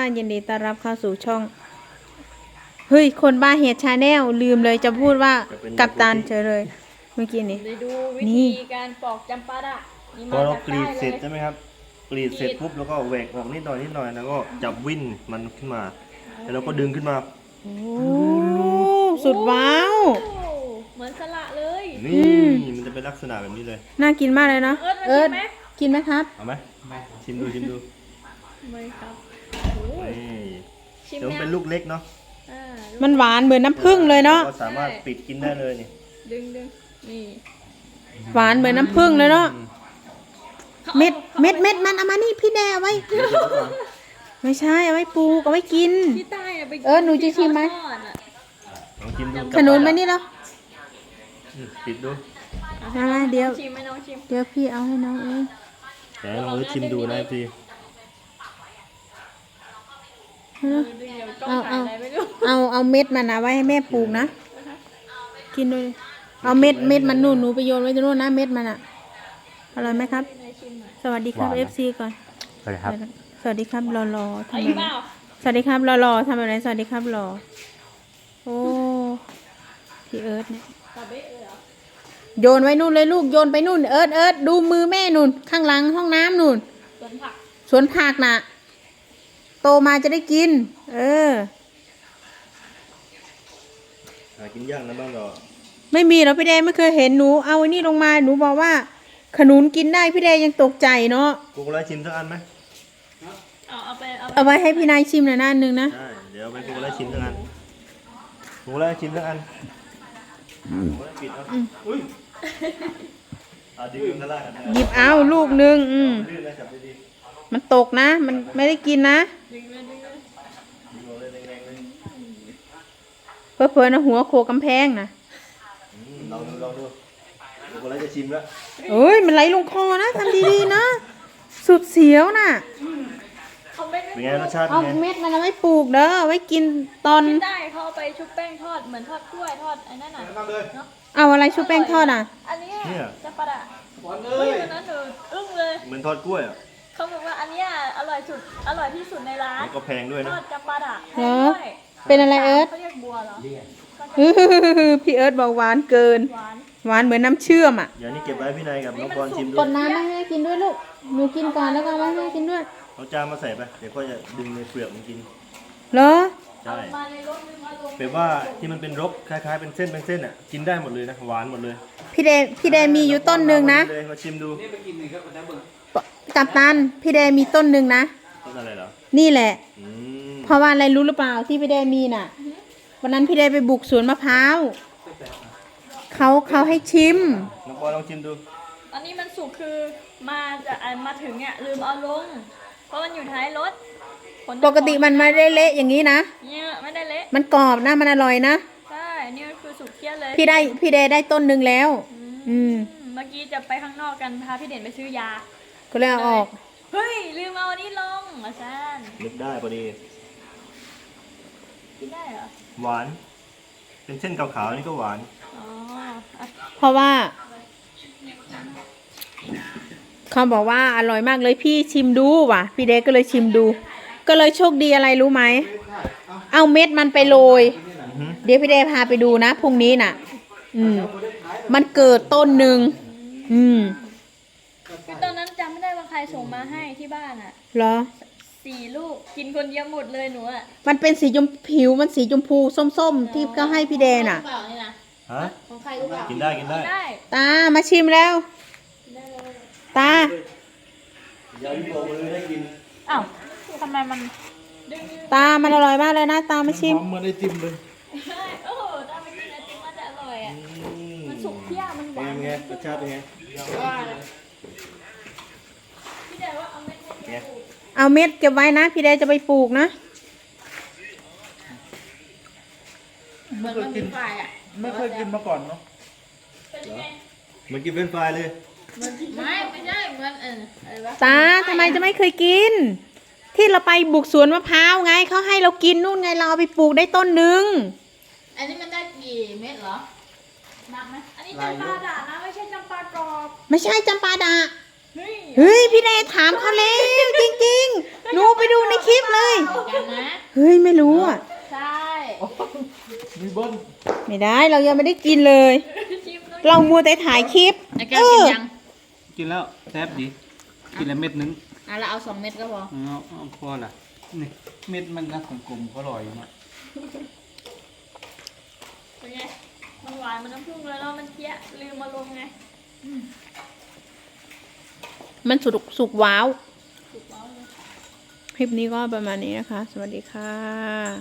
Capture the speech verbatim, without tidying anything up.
ยินดีต้อนรับเข้าสู่ช่องเฮ้ยคนบ้าเฮดชาแนลลืมเลยจะพูดว่ากัปตันเฉยเลยเมื่อกี้นี้ไปดูวิธีการปอกจำปาดะนี่พอมาเราจากกรีใต้ดเลเสร็จยใช่ไหมครับกรีดเสร็จปุ๊บแล้วก็แหวกออกนิดหน่อยนิดหน่อยแล้วก็จับวิ่นมันขึ้นมาแล้วเราก็ดึงขึ้นมาโอ้สุดว้าวโอ้เหมือนสละเลยนี่มันจะเป็นลักษณะแบบนี้เลยน่ากินมากเลยเนาะเอิร์ธมาชิมไหมกินไหมครับเอาไหมชิมดูชิมดูไม่ครับนี่ชิมเดี๋ยวมันนะเป็นลูกเล็กเนาะอ่ามันหวานเหมือนน้ำผึ้งเลยเนาะก็สามารถปิดกินได้เลยนี่ดึงดึงนี่หวานเหมือนน้ำผึ้งเลยเนาะเม็ดเม็ดเม็ดมันเอามานี่พี่แดเอาไว้เดี๋ยวเดี๋ยวก่อนไม่ใช่เอาไว้ปลูกเอาไว้กินที่ใต้อะไปเออหนูจะชิมไหมที่เขาทอดอะลองชิมดูขนุนมานี่แล้วอืมปิดดูมาเดี๋ยวชิมไหมน้องชิมเดี๋ยวพี่เอาให้น้องเองแต่ลองชิมดูนะพี่เออเดี๋ยวกล้องถ่ายอะไรไม่รู้เอาเอาเม็ดมันนะไว้ให้แม่ปลูกนะกินด้วยเอาเม็ดเม็ดมันนู่นหนูไปโยนไว้ตรงนู้นนะเม็ดมันอะอร่อยไหมครับให้ชิมหน่อยสวัสดีครับ เอฟ ซี ก่อนสวัสดีครับสวัสดีครับรอรอทำเอาไมอีกเปล่าสวัสดีครับรอรอทำอะไรสวัสดีครับรอโอ้พี่เอิร์ธเนี่ยตาเบ๊ะเลยเหรอโยนไว้นู่นเลยลูกโยนไปนู่นเอิร์ธเอิร์ธดูมือแม่นู่นข้างหลังห้องน้ำนู่นสวนผักสวนผักน่ะ โตมาจะได้กิน เออหากินยากนะบ้านเราไม่มีหรอกพี่แดงไม่เคยเห็นหนูเอาไอ้นี่ลงมาหนูบอกว่า ขนุนกินได้พี่แดงยังตกใจเนาะกูก็ไล่ชิมสักอันไหมเอาเอาไปเอาไปเอาไว้ให้พี่นายชิมหน่อยนะอันหนึ่งนะใช่เดี๋ยวไปกูก็ไล่ชิมสักอันกูก็ไล่ชิมสักอันกูก็ไล่ปิดเอาอุ้ยอ่ะดึงกันได้กันนะหยิบเอาลูกหนึ่งอืมลื่นนะจับดีมันตกนะ มันไม่ได้กินนะดึงเลยดึงเลยๆดึงเอาเลยแรงๆเลยเพื่อเพื่อนะหัวโขกกำแพงนะอืมลองดูลองดูกูก็ไล่จะชิมแล้วเอ้ยมันไหลลงคอนะทำดีๆนะ สุดเสียวน่ะเขาไม่ได้เป็นไงรสชาติเอาเป็นไงเม็ดมันเอาไว้ปลูกเด้อเอาไว้กินตอนที่ใต้เขาเอาไปชุบแป้งทอดเหมือนทอดกล้วยทอดไอ้นั่นน่ะเนาะเอาอะไรชุบแป้งทอดอ่ะอันเนี้ยจำปาดะเฮ้ยวันนั้นหนูอึ้งเลยเหมือนทอดกล้วยอ่ะเขาบอกว่าอันเนี้ยอร่อยสุดอร่อยที่สุดในร้านแล้วก็แพงด้วยทนะอดจำปาดะแพเหรง อด้วยเป็นอะไรเอิร์ธเขาเรียกบัวเหรออื้อพี่เอิร์ธบอกหวานเกินหวานหวานเหมือนน้ำเชื่อมอ่ะเดี๋ยวนี้เก็บไว้พี่นายกับน้องปอนชิมดูกดน้ำมาให้แม่กินด้วยลูก หนูกินก่อนแล้วก็เอามาให้แม่กินด้วยเอาจานมาใส่ไปเดี๋ยวก็จะดึงในเปลือกมันกินเหรอใช่มาในรถลืมเอาลงแปลว่าที่มันเป็นรกคล้ายๆเป็นเส้นเป็นเส้นอ่ะกินได้หมดเลยนะหวานหมดเลยพี่เดพี่เดมีอยู่ต้นหนึ่งนะเลยมาชิมดูกับตัน พี่เดมีต้นหนึ่งนะต้นอะไรเหรอนี่แหละอืมเพราะว่าอะไรรู้หรือเปล่าที่พี่เดมีน่ะ วันนั้นพี่เดไปบุกสวนมะพร้าว เขาเขาให้ชิมน้องปอนลองชิมดูอันนี้มันสุกคือมาจะอ่ะมาถึงเนี่ยลืมเอาลง เพราะมันอยู่ท้ายรถขนปกติมันไม่ได้เละอย่างนี้นะเนี่ยไม่ได้เละมันกรอบนะ มันอร่อยนะใช่นี่มันคือสุกเคี้ยวเลยพี่ได้พี่เดได้ต้นหนึ่งแล้ว อืมเมื่อกี้จะไปข้างนอกกันพาพี่เด่นไปซื้อยาก็เลยเอาออกเฮ้ยลืมเอาอันนี้ลงอาจารย์นึกได้พอดีกินได้เหรอหวาน เป็นเส้นขาวๆนี่ก็หวานอ๋ออ่ะเพราะว่า เขาบอกว่าอร่อยมากเลยพี่ชิมดูว่ะ พี่เดก็เลยชิมดู ก็เลยโชคดีอะไรรู้ไหม เอาเม็ดมันไปโรยอือฮึเดี๋ยวพี่เดพาไปดูนะพรุ่งนี้น่ะ อืม มันเกิดต้นหนึ่ง อืมคือตอนนั้นจำไม่ได้ว่าใครส่งมาให้ที่บ้านอ่ะเหรอสี่ลูกกินคนเดียวหมดเลยหนูอ่ะมันเป็นสีชมผิวมันสีชมพูส้มๆ ที่ก็ให้พี่เดน่ะเปล่านี่นะฮะของใครรู้เปล่ากินได้กินได้ได้ตามาชิมแล้ว ตาอย่าพี่บอกเลยให้กินอ้าวทำไมมันดึงตามันอร่อยมากเลยนะ ตามาชิมเหมือนไอติมเลยใช่โอ้โหถ้าไปกินไอติมมันจะอร่อยอ่ะอืมมันสุกเที่ยวมันหเป็นวานไงรสชาติเป็นไงว่านะพี่เด่นว่าเอาเม็ดให้เป็นไงเอาเม็ดเก็บไว้นะ พี่เดจะไปปลูกนะเหมือนมันมีไฟอ่ะไม่เคยกินมาก่อนเนาะเป็นยังไงเหมือนกินเฟรนช์ฟรายเลยไม่ไม่ใช่เหมือนเอออะไรวะตาทำไมจะไม่เคยกิน ที่เราไปบุกสวนมะพร้าวไงเขาให้เรากินนู่นไงเราเอาไปปลูกได้ต้นหนึ่งอันนี้มันได้กี่เม็ดเหรอนับไหมอันนี้จำปาดานะไม่ใช่จำปากรอบไม่ใช่จำปาดะเฮ้ยเฮ้ยพี่เดถามเขาแล้วจริงๆหนูไปดูในคลิปเลยกันนะเฮ้ยไม่รู้อ่ะใช่มีเบิ้ลไม่ได้เรายังไม่ได้กินเลยชิมแล้วเรามัวแต่ถ่ายคลิปไอ้แก้วกินยังกินแล้วแซ่บดี กินแล้วเม็ดนึงอ่ะเราเอาสองเม็ดก็พอเอาเอาพอละนี่เม็ดมันนะกลมๆก็อร่อยมากเป็นไงมันหวานมันน้ำผึ้งแล้วเนาะมันเคี้ยลืมมาลงไงมันสุกสุกว้าวถูกแล้วเลยคลิปนี้ก็ประมาณนี้นะคะ สวัสดีค่ะ